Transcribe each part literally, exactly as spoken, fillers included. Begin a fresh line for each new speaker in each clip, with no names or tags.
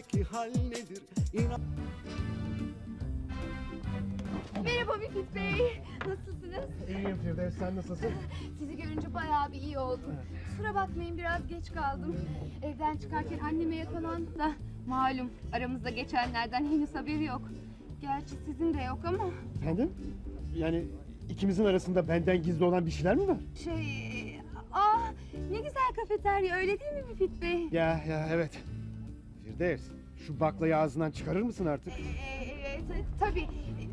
içimdeki hal nedir? İnan...
Merhaba Müfit Bey. Nasılsınız?
İyiyim Firdevs, sen nasılsın?
Sizi görünce bayağı bir iyi oldum. Kusura bakmayın, biraz geç kaldım. Evden çıkarken anneme yakalandı da malum aramızda geçenlerden henüz haberi yok. Gerçi sizin de yok ama
Efendim? Yani ikimizin arasında benden gizli olan bir şeyler mi var?
şey... Ah, ne güzel kafeterya, öyle değil mi Müfit Bey?
Ya ya evet. Firdevs, şu baklayı ağzından çıkarır mısın artık?
Ee, evet, tabii.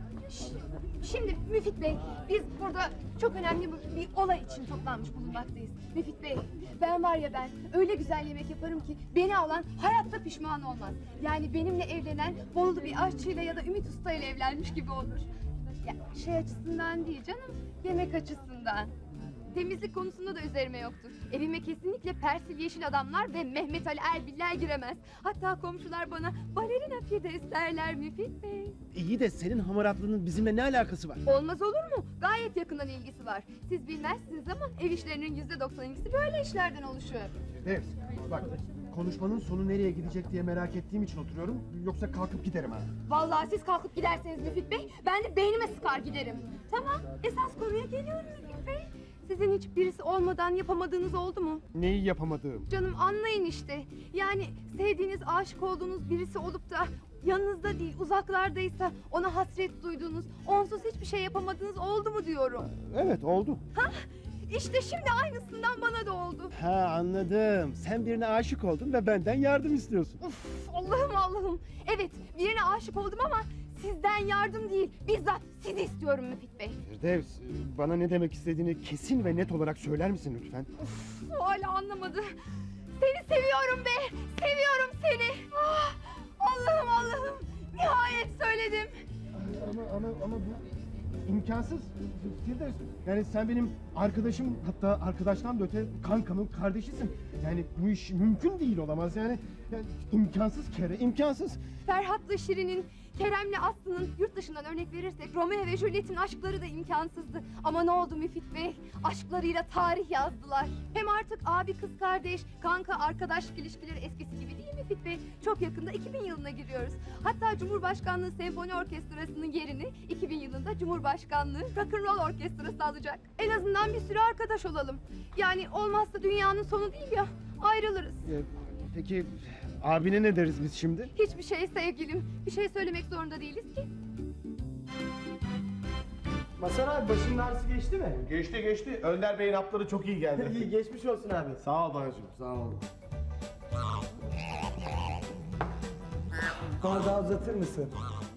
Ş- Şimdi Müfit Bey, biz burada çok önemli bir, bir olay için toplanmış bulunmaktayız. Müfit Bey, ben var ya ben öyle güzel yemek yaparım ki beni alan hayatta pişman olmaz. Yani benimle evlenen Bolulu bir aşçıyla ya da Ümit Usta ile evlenmiş gibi olur. Ya şey açısından değil canım, yemek açısından. Temizlik konusunda da üzerime yoktur. Evime kesinlikle Persil Yeşil Adamlar ve Mehmet Ali Erbiller giremez. Hatta komşular bana balerina Firdevs derler Müfit Bey.
İyi de senin hamaratlığının bizimle ne alakası var?
Olmaz olur mu? Gayet yakından ilgisi var. Siz bilmezsiniz ama ev işlerinin yüzde doksan ikisi böyle işlerden oluşuyor.
Firdevs, bak konuşmanın sonu nereye gidecek diye merak ettiğim için oturuyorum. Yoksa kalkıp giderim ha.
Vallahi siz kalkıp giderseniz Müfit Bey, ben de beynime sıkar giderim. Tamam, esas konuya geliyorum Müfit Bey. Sizin hiç birisi olmadan yapamadığınız oldu mu?
Neyi yapamadığım?
Canım anlayın işte. Yani sevdiğiniz, aşık olduğunuz birisi olup da yanınızda değil, uzaklardaysa ona hasret duyduğunuz, onsuz hiçbir şey yapamadığınız oldu mu diyorum.
Evet, oldu.
Hah, işte şimdi aynısından bana da oldu.
Ha, anladım. Sen birine aşık oldun ve benden yardım istiyorsun.
Uf, Allah'ım Allah'ım. Evet, birine aşık oldum ama sizden yardım değil, bizzat sizi istiyorum Müfit Bey.
Firdevs, bana ne demek istediğini kesin ve net olarak söyler misin lütfen?
Uf, hala anlamadı. Seni seviyorum be, seviyorum seni. Ah, Allah'ım Allah'ım, nihayet söyledim.
Ama ama ama bu imkansız Firdevs. Yani sen benim arkadaşım, hatta arkadaştan da öte kankamın kardeşisin. Yani bu iş mümkün değil, olamaz yani. Yani imkansız kere, imkansız.
Ferhat'la Şirin'in, Kerem'le Aslı'nın, yurt dışından örnek verirsek Romeo ve Juliet'in aşkları da imkansızdı. Ama ne oldu Müfit Bey? Aşklarıyla tarih yazdılar. Hem artık abi kız kardeş, kanka arkadaşlık ilişkileri eskisi gibi değil Müfit Bey. Çok yakında iki bin yılına giriyoruz. Hatta Cumhurbaşkanlığı Senfoni Orkestrası'nın yerini iki bin yılında Cumhurbaşkanlığı Rock'n'Roll Orkestrası alacak. En azından bir süre arkadaş olalım. Yani olmazsa dünyanın sonu değil ya, ayrılırız.
Ee, peki abine ne deriz biz şimdi?
Hiçbir şey sevgilim. Bir şey söylemek zorunda değiliz ki.
Masar abi, başının ağrısı geçti mi?
Geçti geçti. Önder Bey'in hapları çok iyi geldi.
İyi, geçmiş olsun abi.
Sağ ol dayıcım, sağ ol.
Bana daha uzatır mısın?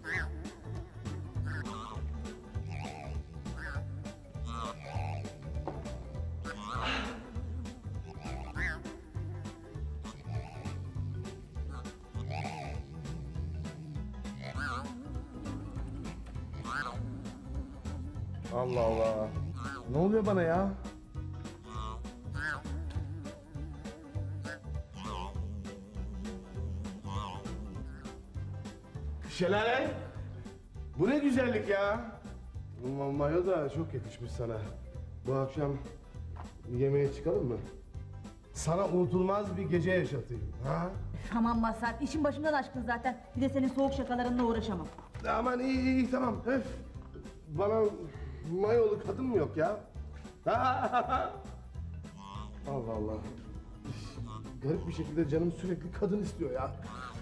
Allah Allah. Ne oluyor bana ya? Şelale. Bu ne güzellik ya. Bu mayo da çok yakışmış sana. Bu akşam yemeğe çıkalım mı? Sana unutulmaz bir gece yaşatayım. Ha?
Aman Mazhar, işin başımdan aşkın zaten. Bir de senin soğuk şakalarınla uğraşamam.
Aman iyi iyi, iyi tamam. Öf. Bana mayolu kadın mı yok ya? Allah Allah. Garip bir şekilde canım sürekli kadın istiyor ya.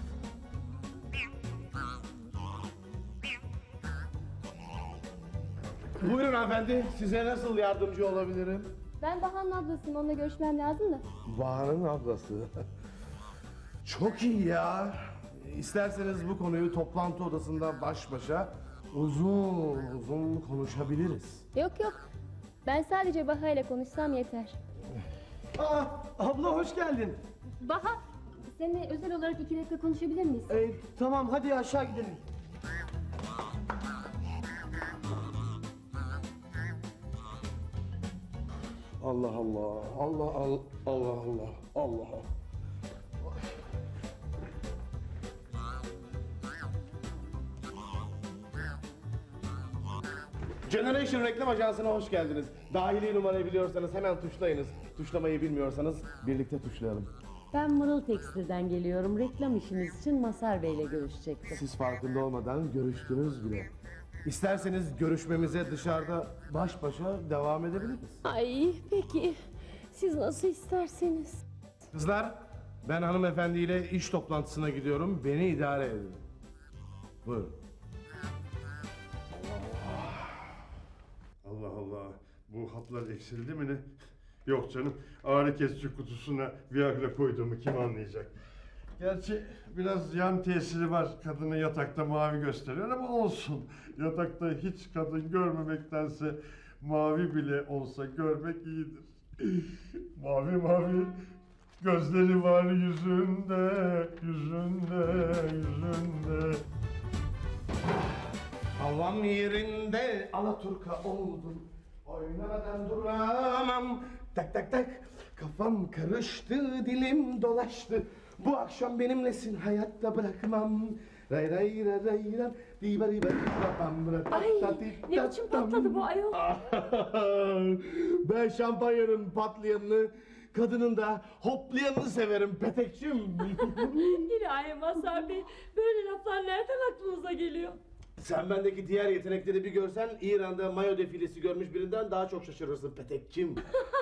Buyurun hanımefendi, size nasıl yardımcı olabilirim?
Ben Bahar'ın ablasıyım, onunla görüşmem lazım da.
Bahar'ın ablası. Çok iyi ya. İsterseniz bu konuyu toplantı odasında baş başa uzun uzun konuşabiliriz.
Yok yok. Ben sadece Baha ile konuşsam yeter.
Aa, abla hoş geldin.
Baha, seninle özel olarak iki dakika konuşabilir miyiz?
Ee, tamam, hadi aşağı gidelim.
Allah Allah, Allah Allah, Allah Allah, Allah Allah. Generation Reklam Ajansı'na hoş geldiniz. Dahili numarayı biliyorsanız hemen tuşlayınız. Tuşlamayı bilmiyorsanız birlikte tuşlayalım.
Ben Mırıl Tekstil'den geliyorum. Reklam işiniz için Masar Bey'le görüşecektim.
Siz farkında olmadan görüştünüz bile. İsterseniz görüşmemize dışarıda baş başa devam edebiliriz.
Ay peki. Siz nasıl isterseniz.
Kızlar, ben hanımefendiyle iş toplantısına gidiyorum. Beni idare edin. Buyurun.
Allah Allah. Bu haplar eksildi mi ne? Yok canım. Ağrı kesici kutusuna Viagra koyduğumu kim anlayacak? Gerçi biraz yan tesiri var. Kadını yatakta mavi gösteriyor ama olsun. Yatakta hiç kadın görmemektense mavi bile olsa görmek iyidir. Mavi mavi gözleri var yüzünde, yüzünde, yüzünde.
Havam yerinde Alaturka oldum. Oynamadan duramam. Tak tak tak. Kafam karıştı, dilim dolaştı. Bu akşam benimlesin, hayatta bırakmam. Ray ray ray ray ray. Diba diba diba bam, ra, ta,
Ay
ta, ti,
ne
ta,
biçim
tam.
patladı bu ayol?
Ben şampanyanın patlayanını, kadının da hoplayanını severim Petekçim.
İlahi Masar Bey. Böyle laflar nereden aklınıza geliyor?
Sen bendeki diğer yetenekleri bir görsen İran'da mayo defilesi görmüş birinden daha çok şaşırırsın Petekçim.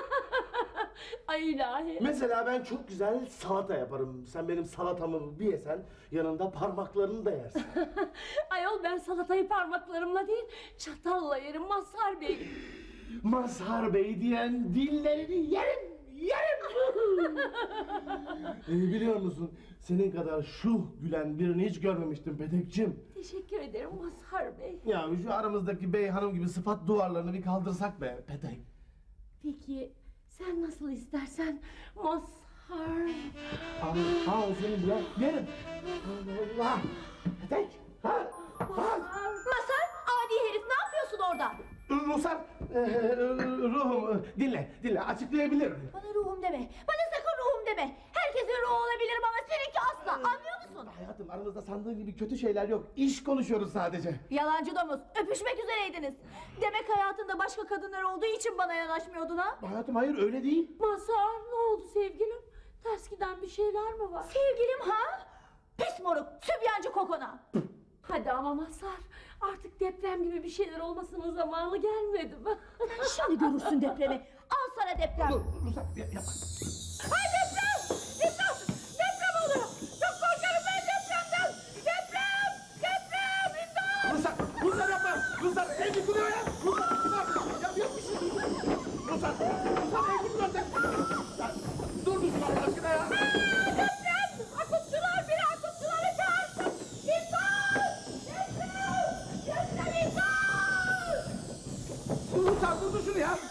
Ay ilahi.
Mesela ben çok güzel salata yaparım. Sen benim salatamı bir yesen yanında parmaklarını da yersin.
Ayol ben salatayı parmaklarımla değil çatalla yerim Masar Bey.
Mazhar Bey diyen dillerini yerim, yerim. ee, biliyor musun? Senin kadar şuh gülen birini hiç görmemiştim Petekçim.
Teşekkür ederim Masar Bey.
Ya şu aramızdaki bey hanım gibi sıfat duvarlarını bir kaldırsak be Petek.
Peki sen nasıl istersen Mazhar.
Al, al seni bile yerim. Allah! Petek! Ha! Ha!
Masar, adi herif ne yapıyorsun orada?
Rusar, e, ruhum dinle, dinle açıklayabilirim.
Bana ruhum deme, bana sakın ruhum deme. Herkesin ruhu olabilirim ama seninki asla, anlıyor musun?
Hayatım aramızda sandığın gibi kötü şeyler yok. İş konuşuyoruz sadece.
Yalancı domuz, öpüşmek üzereydiniz. Demek hayatında başka kadınlar olduğu için bana yanaşmıyordun ha?
Hayatım hayır öyle değil.
Mazhar ne oldu sevgilim? Ters giden bir şeyler mi var?
Sevgilim ha? Pis moruk, sübyancı kokona.
Hadi ama Mazhar artık deprem gibi bir şeyler olmasının zamanı gelmedi mi?
Şimdi görürsün depremi. Al sana deprem.
Dur, Rusar yapma.
Ay deprem! Deprem! Deprem oluyor! Çok korkarım ben depremden! Deprem! Deprem! İmdat!
Rusar, Rusar yapma. Rusar ev yıkılıyor ya. Rusar, Rusar. Ya yok bir şey. Rusar, Rusar ev yıkılıyor. Ya, dur Rusar Allah aşkına ya.
Deprem! Akutçular biri akutçuları çağırsın! İmdat! Deprem! Deprem imdat!
Rusar dur şunu ya.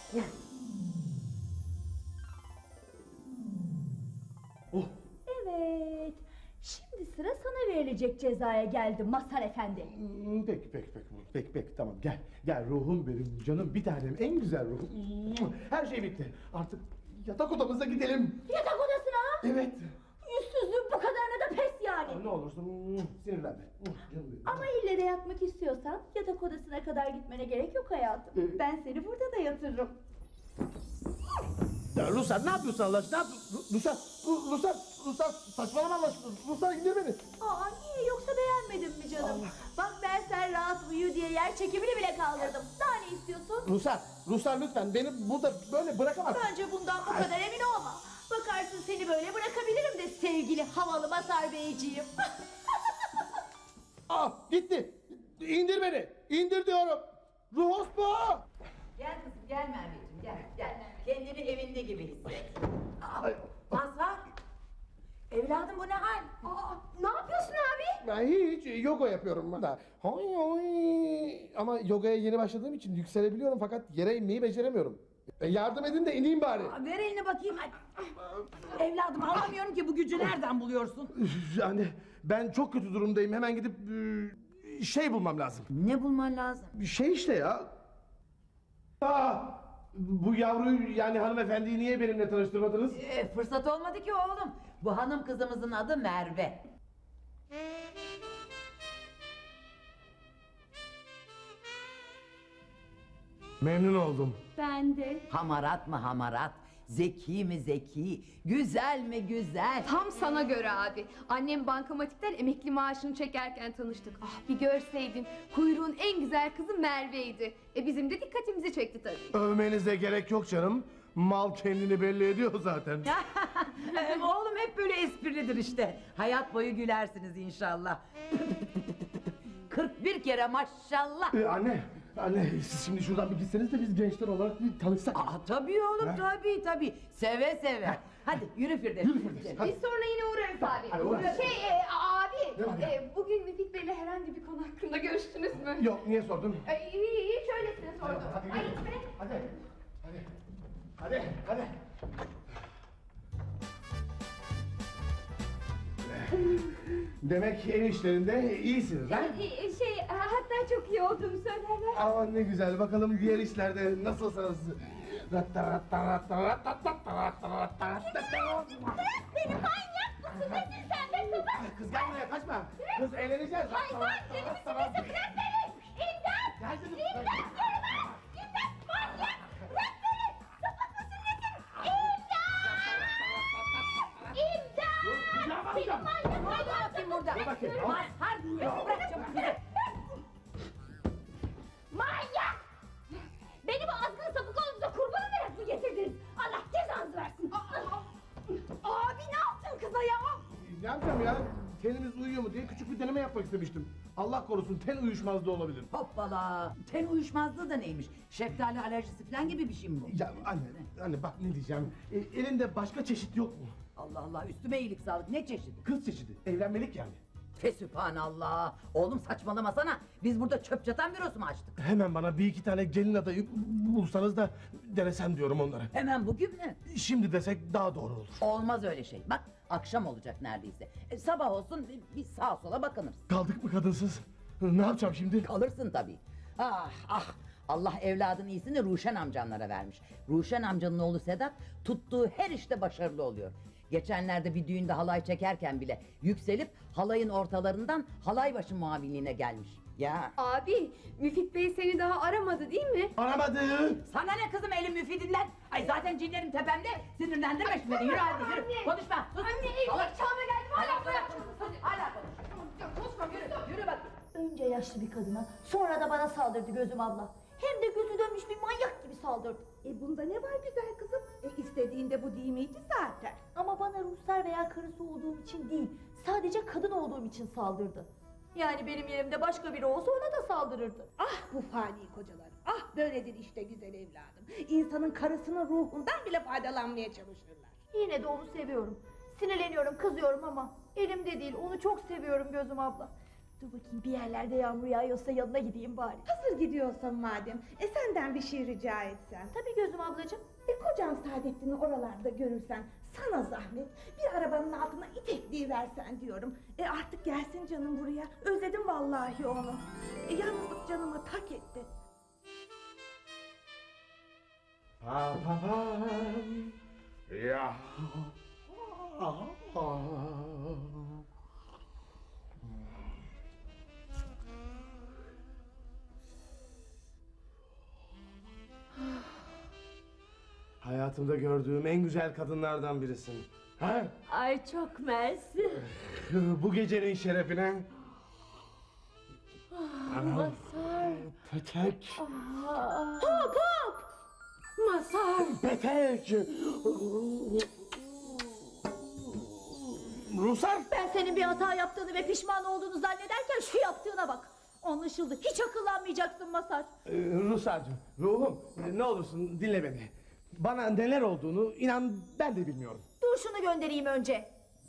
Oh.
Evet. Şimdi sıra sana verilecek cezaya geldi Mazhar Efendi.
Hmm, Peki peki peki peki peki tamam gel gel ruhum benim canım bir tanem en güzel ruhum. Her şey bitti artık yatak odamıza gidelim.
Yatak odasına!
Evet.
Yüzsüzlüğün bu kadarına da pes yani.
Ne olursun sinirlenme. Canım benim.
Ama ille de yatmak istiyorsan yatak odasına kadar gitmene gerek yok hayatım.
Ee?
Ben seni burada da yatırırım.
Ya Ruslar ne yapıyorsun Allah aşkına? Ne yapıyorsun? Ruslar, Ru- Ruslar, Ruslar saçmalama Allah aşkına. Ruslar indir beni.
Aa niye yoksa beğenmedin mi canım? Bak ben sen rahat uyu diye yer çekimini bile kaldırdım. Daha ne istiyorsun?
Ruslar, Ruslar lütfen beni burada böyle bırakamazsın.
Bence bundan bu kadar emin olma. Bakarsın seni böyle bırakabilirim de sevgili havalı Mazhar Beyciğim.
Ah gitti. İndir beni. İndir diyorum. Ruhos bu.
Gel kızım gel Merveciğim gel gel. Kendini evinde gibi hisset.
Ay,
Mazhar. Evladım bu ne hal?
Aa, ne yapıyorsun abi?
Ben hiç yoga yapıyorum ben de. Hay hay. Ama yogaya yeni başladığım için yükselebiliyorum fakat yere inmeyi beceremiyorum. E, yardım edin de ineyim bari.
Aa, ver elini bakayım. Ay. Evladım anlamıyorum ki bu gücü nereden buluyorsun?
Yani ben çok kötü durumdayım. Hemen gidip e, şey bulmam lazım.
Ne bulman lazım?
Bir şey işte ya. Aa, bu yavruyu yani hanımefendiyi niye benimle tanıştırmadınız?
Ee, fırsat olmadı ki oğlum. Bu hanım kızımızın adı Merve.
Memnun oldum.
Ben de.
Hamarat mı hamarat? Zeki mi zeki, güzel mi güzel.
Tam sana göre abi. Annem bankamatikten emekli maaşını çekerken tanıştık. Ah bir görseydin. Kuyruğun en güzel kızı Merve'ydi. E bizim de dikkatimizi çekti tabii.
Övmenize gerek yok canım. Mal kendini belli ediyor zaten.
Ee, Oğlum hep böyle esprilidir işte. Hayat boyu gülersiniz inşallah. kırk bir kere maşallah.
Ee, anne, anne siz şimdi şuradan bir gitseniz de biz gençler olarak bir tanışsak.
Aa, tabii oğlum
Ha?
tabii tabii. Seve seve. Hadi yürü Firdevs.
Yürü Firdevs, hadi.
Biz sonra yine uğrarız abi.
hadi uğrarız.
Şey e, abi,
Ne var ya?
e, bugün Müfit Bey'le herhangi bir konu hakkında görüştünüz mü?
Yok, niye sordun?
E, iyi iyi şöylesine sordum.
Hadi,
Ay,
gidelim.
be.
hadi, hadi, hadi, hadi. Demek ev işlerinde iyisiniz ha?
E, şey e, hatta çok iyi olduğumu söylerler.
Aman ne güzel, bakalım diğer işlerde nasılsınız?
Beni manyak mısın? Nesin sen be kızım?
Kız gel buraya, kaçma. Kız eğleneceğiz.
Ay ay deli misin nesin? Bırak beni! İmdat! İmdat diyorum! İmdat manyak! Bırak beni! Sapık mısın nesin? İmdat! İmdat! Seni manyak manyak!
Bakayım burada.
Dur bakayım.
Mazhar bırak çabuk bizi.
Manyak! Beni bu azgın sapık oğlunuza kurban olarak mı getirdiniz? Allah cezanızı versin! Abi ne yaptın kıza ya?
Ne yapacağım ya? Tenimiz uyuyor mu diye küçük bir deneme yapmak istemiştim. Allah korusun ten uyuşmazlığı olabilir.
Hoppala. Ten uyuşmazlığı da neymiş? Şeftali alerjisi falan gibi bir şey mi bu?
Ya anne, anne bak ne diyeceğim. E, elinde başka çeşit yok mu?
Allah Allah üstüme iyilik sağlık. Ne çeşidi?
Kız çeşidi, evlenmelik yani.
Fesübhanallah. Oğlum saçmalamasana. Biz burada çöp çatan bürosu mu açtık?
Hemen bana bir iki tane gelin adayı bulsanız da denesem diyorum onlara.
Hemen bugün mü?
Şimdi desek daha doğru olur.
Olmaz öyle şey. Bak akşam olacak neredeyse. E, sabah olsun bir, bir sağa sola bakınırız.
Kaldık mı kadınsız? Ne yapacağım şimdi?
Kalırsın tabii. Ah ah. Allah evladın iyisini Ruşen amcanlara vermiş. Ruşen amcanın oğlu Sedat tuttuğu her işte başarılı oluyor. Geçenlerde bir düğünde halay çekerken bile yükselip halayın ortalarından halay başı muavinliğine gelmiş. Ya
Abi Müfit Bey seni daha aramadı değil mi?
Aramadı.
sana ne kızım elin müfidinden? Ay zaten cinlerim tepemde. Sinirlendirme şimdi beni. Yürü hadi yürü. Konuşma. Sus.
Anne evlilik çağına geldim hala bırak.
Hadi hala konuş.
Konuşma yürü.
Yürü bak.
Önce yaşlı bir kadına, sonra da bana saldırdı gözüm abla. Hem de gözü dönmüş bir manyak gibi saldırdı.
E bunda ne var güzel kızım? E istediğinde bu değil miydi zaten?
Ama bana Ruslar veya karısı olduğum için değil, sadece kadın olduğum için saldırdı. Yani benim yerimde başka biri olsa ona da saldırırdı.
Ah bu fani kocalar. Ah böyledir işte güzel evladım. İnsanın karısının ruhundan bile faydalanmaya çalışırlar.
Yine de onu seviyorum. Sinirleniyorum, kızıyorum ama elimde değil. Onu çok seviyorum gözüm abla. Dur bakayım bir yerlerde yağmur yağıyorsa yanına gideyim bari.
Hazır gidiyorsan madem, e senden bir şey rica etsem.
Tabii gözüm ablacığım.
E kocan Saadettin'i oralarda görürsen sana zahmet bir arabanın altına itekliği versen diyorum. E artık gelsin canım buraya. Özledim vallahi onu. E yalnızlık canıma tak etti.
Pa pa pa. Ya. Hayatımda gördüğüm en güzel kadınlardan birisin. Ha?
Ay çok mersi.
Bu gecenin şerefine.
Mazhar.
Petek.
Hop hop. Mazhar.
Petek. Rusar.
Ben senin bir hata yaptığını ve pişman olduğunu zannederken şu yaptığına bak. Anlaşıldı. Hiç akıllanmayacaksın Masar.
Ee, Rusar'cığım, ruhum e, ne olursun dinle beni. Bana neler olduğunu inan ben de bilmiyorum.
Dur şunu göndereyim önce.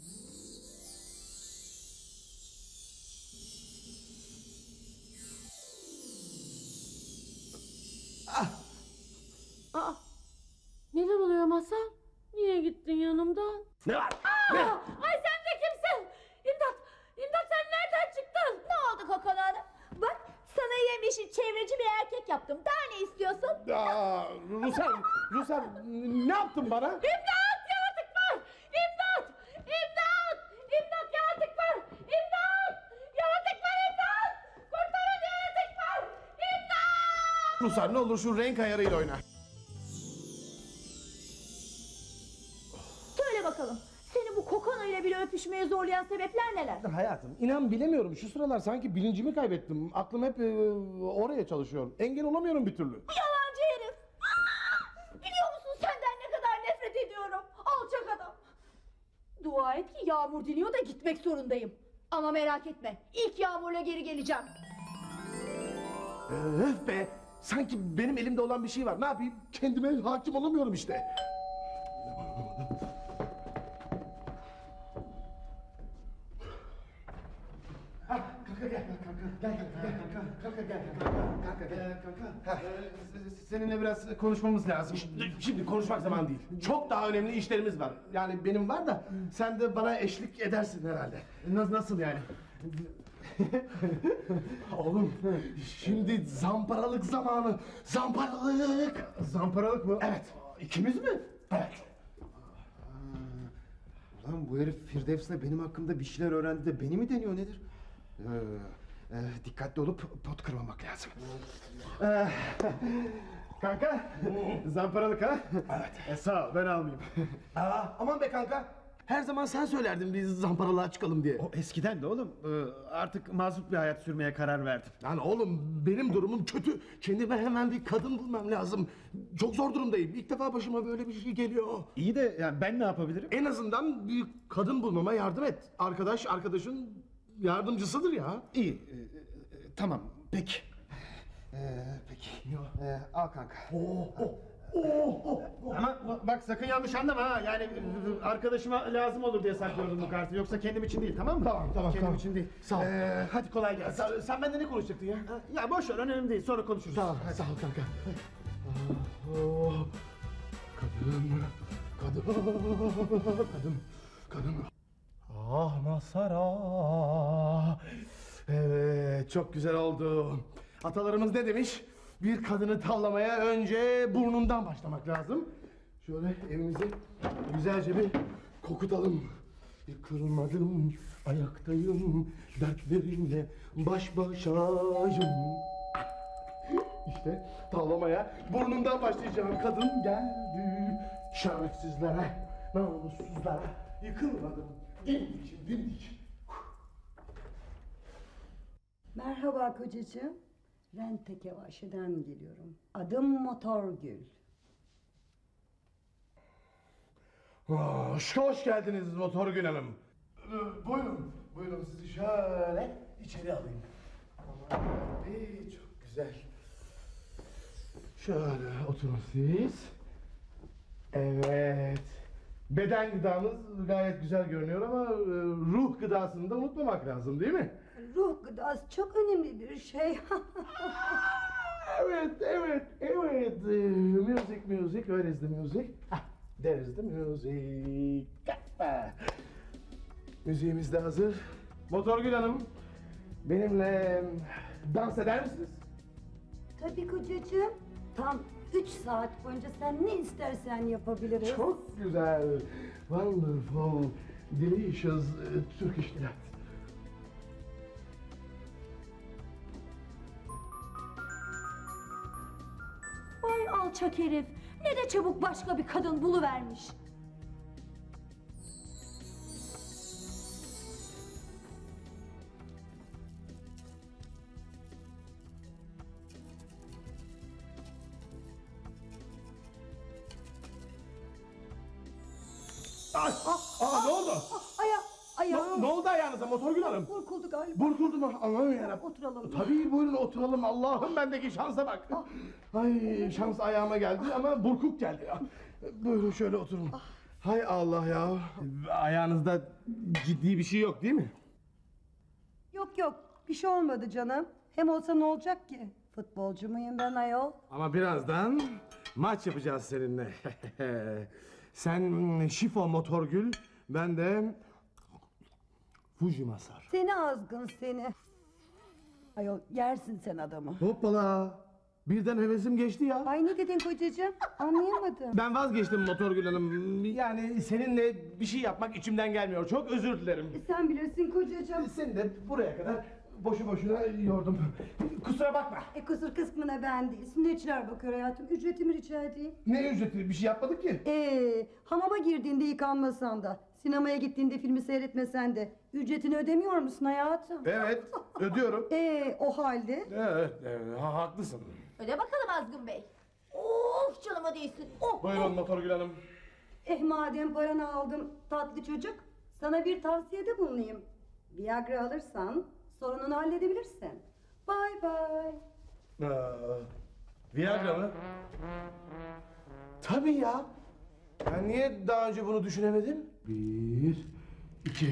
Aa, neler oluyor Mazhar? Niye gittin yanımdan?
Ne var?
Aa, ay sen de kimsin? İmdat! İmdat sen nereden çıktın?
Ne oldu Kokon Hanım? Bak sana yemyeşil çevreci bir erkek yaptım. Daha ne istiyorsun?
Aa, Rusar, Rusar ne yaptın bana?
İmdat! Yaratık var! İmdat! İmdat! İmdat yaratık var! İmdat! Yaratık var imdat! Kurtarın yaratık var! İmdat!
Rusar ne olur şu renk ayarıyla oyna.
düşmeye zorlayan sebepler neler?
Hayatım inan bilemiyorum. Şu sıralar sanki bilincimi kaybettim. Aklım hep e, oraya çalışıyor. Engel olamıyorum bir türlü.
Yalancı herif! Aa! Biliyor musun senden ne kadar nefret ediyorum? Alçak adam! Dua et ki yağmur diniyor da gitmek zorundayım. Ama merak etme, ilk yağmurla geri geleceğim.
Öf be! Sanki benim elimde olan bir şey var. Ne yapayım? Kendime hakim olamıyorum işte. Ha, kanka gel, kanka gel, gel, kanka, kanka gel, kanka, kanka gel, kanka. Seninle biraz konuşmamız lazım. Şimdi, şimdi konuşmak zaman değil. Çok daha önemli işlerimiz var. Yani benim var da sen de bana eşlik edersin herhalde. Nasıl, nasıl yani? Oğlum, şimdi zamparalık zamanı. Zamparalık. Zamparalık mı? Evet. İkimiz mi? Evet.
Ulan bu herif Firdevs'le benim hakkımda bir şeyler öğrendi de beni mi deniyor nedir? Ee, e, dikkatli olup pot kırmamak lazım.
Ee, kanka, zamparalık ha? Evet. E, sağ ol, ben almayayım. Aa, aman be kanka, her zaman sen söylerdin biz zamparalığa çıkalım diye.
O eskiden de oğlum. Ee, artık mazlum bir hayat sürmeye karar verdim.
Lan oğlum benim durumum kötü. Kendime hemen bir kadın bulmam lazım. Çok zor durumdayım. İlk defa başıma böyle bir şey geliyor.
İyi de yani ben ne yapabilirim?
En azından bir kadın bulmama yardım et. Arkadaş arkadaşın yardımcısıdır ya.
İyi. e, e, tamam. Peki. Ee, peki. Ee, al kanka.
Oh, oh, oh, oh, oh.
Ama bak sakın yanlış anlama ha. Yani e, arkadaşıma lazım olur diye saklıyordum bu kartı. Yoksa kendim için değil, tamam mı?
Tamam, tamam,
Kendim
tamam.
için değil.
Sağ ol.
Ee, hadi kolay gelsin.
Sen, sen benden ne konuşacaktın ya?
Ya boş ver, önemli değil. Sonra konuşuruz.
Tamam, sağ ol kanka. Oh, kadın, kadın, kadın, kadın. Ah Masara. Evet, çok güzel oldu. Atalarımız ne demiş? Bir kadını tavlamaya önce burnundan başlamak lazım. Şöyle evimizi güzelce bir kokutalım. Bir kırılmadım, ayaktayım, dertlerimle baş başayım. İşte tavlamaya burnundan başlayacağım. Kadın geldi, şerefsizlere, namussuzlara yıkılmadım. Dimdik, dimdik.
Merhaba kocacığım. Rente Kevaşi'den geliyorum. Adım Motorgül.
Hoş, hoş geldiniz Motorgül Hanım. Ee, buyurun, buyurun sizi şöyle içeri alayım. Aman Rabbi, çok güzel. Şöyle oturun siz. Evet. Beden gıdamız gayet güzel görünüyor ama e, ruh gıdasını da unutmamak lazım değil mi?
Ruh gıdası çok önemli bir şey.
Evet, evet, evet. Uh, music, music. Where is the music? Ah, there is the music. Kappa. Müziğimiz de hazır. Motorgül Hanım, benimle dans eder misiniz?
Tabii kocacığım. Tam üç saat boyunca sen ne istersen yapabiliriz.
Çok güzel. Wonderful, delicious uh, Turkish delight.
Vay alçak herif! Ne de çabuk başka bir kadın buluvermiş.
Ay, aa, ne oldu?
Aya,
Ne,
ayağım.
ne oldu ayağınıza Motorgül Hanım?
Burkuldu galiba.
Burkuldu mu? Aman yarabbim.
Oturalım.
Tabii buyurun oturalım. Allah'ım bendeki şansa bak. Ay şans ayağıma geldi ama burkuk geldi ya. Buyurun şöyle oturun. Hay Allah ya. Ayağınızda ciddi bir şey yok değil mi?
Yok yok, bir şey olmadı canım. Hem olsa ne olacak ki? Futbolcu muyum ben ayol?
Ama birazdan maç yapacağız seninle. Sen Şifo Motorgül, ben de Fuji Masar.
Seni azgın seni. Ayol yersin sen adamı.
Hoppala. Birden hevesim geçti ya.
Ay ne dedin kocacığım? Anlayamadım.
Ben vazgeçtim Motorgül Hanım. Yani seninle bir şey yapmak içimden gelmiyor. Çok özür dilerim.
Sen bilirsin kocacığım.
Seni de buraya kadar boşu boşuna yordum. Kusura bakma.
E kusur kısmına ben değil. Sünnetçiler bakıyor hayatım. Ücretimi rica edeyim.
Ne ücreti? Bir şey yapmadık ki.
Ee, hamama girdiğinde yıkanmasan da Sinemaya gittiğinde filmi seyretmesen de ücretini ödemiyor musun hayatım?
Evet, ödüyorum.
Ee, o halde
Evet, evet ha, haklısın.
Öyle bakalım Azgın Bey. Of canıma değsin. Oh,
Buyurun Motorgül Hanım.
eh madem paranı aldım tatlı çocuk, sana bir tavsiyede bulunayım. Viagra alırsan sorununu halledebilirsin. Bye bye.
Aa, Viagra mı? Tabii ya. Ben niye daha önce bunu düşünemedim? Bir, iki...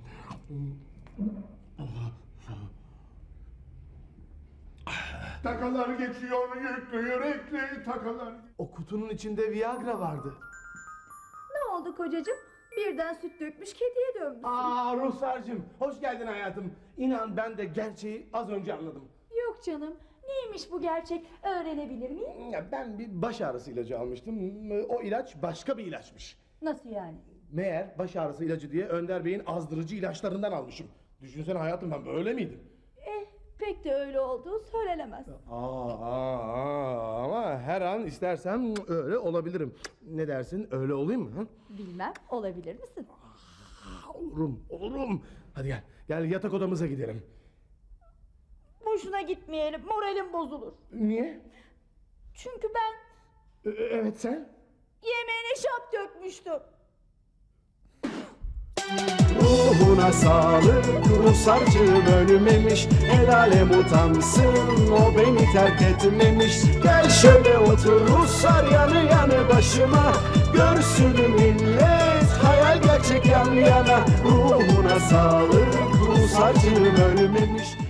Takalar geçiyor yüklü yürekli takalar.
O kutunun içinde Viagra vardı.
ne oldu kocacığım? Birden süt dökmüş kediye dönmüşsün.
Aa Ruhsar'cığım, hoş geldin hayatım. İnan ben de gerçeği az önce anladım.
Yok canım. Neymiş bu gerçek? Öğrenebilir miyim?
Ya ben bir baş ağrısı ilacı almıştım. O ilaç başka bir ilaçmış.
Nasıl yani?
Meğer baş ağrısı ilacı diye Önder Bey'in azdırıcı ilaçlarından almışım. Düşünsene hayatım, ben böyle miydim?
Eh pek de öyle olduğu söylenemez.
Aa, aa, aa, ama her an istersem öyle olabilirim. Ne dersin, öyle olayım mı? Hı?
Bilmem, olabilir misin?
Olurum, olurum. Hadi gel, gel yatak odamıza gidelim.
Boşuna gitmeyelim, moralim bozulur.
Niye?
Çünkü ben
Ee, evet sen?
yemeğine şap dökmüştüm.
Ruhuna sağlık Ruhsarcığım ölmemiş. El alem utansın o beni terk etmemiş. Gel şöyle otur Ruhsar yanı yanı başıma. Görsün millet hayal gerçek yan yana. Ruhuna sağlık Ruhsarcığım ölmemiş.